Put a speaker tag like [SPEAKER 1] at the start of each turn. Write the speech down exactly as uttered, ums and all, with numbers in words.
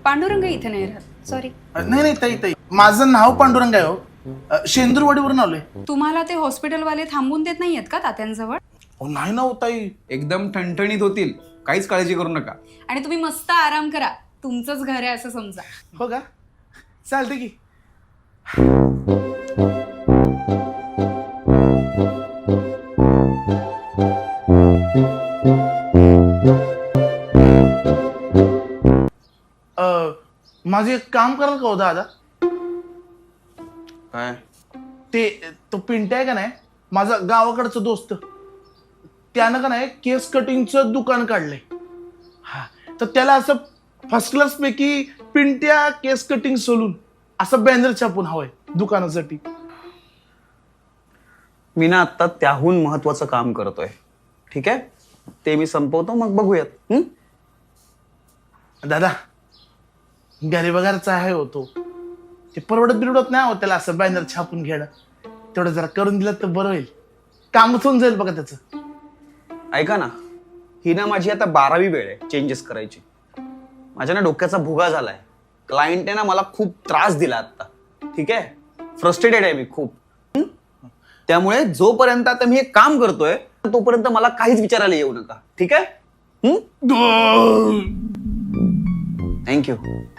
[SPEAKER 1] पांडुरंग इथे नाही राहत, सॉरी.
[SPEAKER 2] नाही नाही ताई ताई, माझं नाव पांडुरंग आहे हो. शेंदूरवाडीवरून आलोय.
[SPEAKER 1] तुम्हाला ते हॉस्पिटलवाले थांबून देत नाहीयेत का तात्यांजवळ?
[SPEAKER 2] हो नाही ना हो ताई.
[SPEAKER 3] एकदम ठणठणीत होतील, काहीच काळजी करू नका.
[SPEAKER 1] आणि तुम्ही मस्त आराम करा, तुमचंच घर आहे असं समजा.
[SPEAKER 2] हो का, चालते की. अ, माझं एक काम कराल का हो दादा?
[SPEAKER 3] काय?
[SPEAKER 2] ते तो पिंट्या आहे का नाही, माझा गावाकडचा दोस्त, त्यानं का नाही केस कटिंगचं दुकान काढलंय. हा, तर त्याला असं फर्स्ट क्लास पैकी पिंट्या केस कटिंग सलून असं बॅनर छापून हवंय दुकानासाठी.
[SPEAKER 4] मी ना आता त्याहून महत्वाचं काम करतोय. ठीक आहे, ते मी संपवतो, मग बघूयात. हं?
[SPEAKER 2] दादा गरीबगारचा आहे होतो, ते परवडत बिरवडत नाही हो त्याला असं बॅनर छापून घेणं. तेवढं जरा करून दिलं तर बरं होईल, कामच होऊन जाईल बघा त्याचं.
[SPEAKER 4] ऐका ना, ही ना माझी आता बारावी वेळ आहे चेंजेस करायची. माझ्या ना डोक्याचा भुगा झालाय. क्लायंटने ना मला खूप त्रास दिला आता. ठीक आहे, फ्रस्ट्रेटेड आहे मी खूप. हं? त्यामुळे जोपर्यंत आता मी हे काम करतोय तोपर्यंत मला काहीच विचारायला येऊ नका. ठीक आहे? थँक्यू.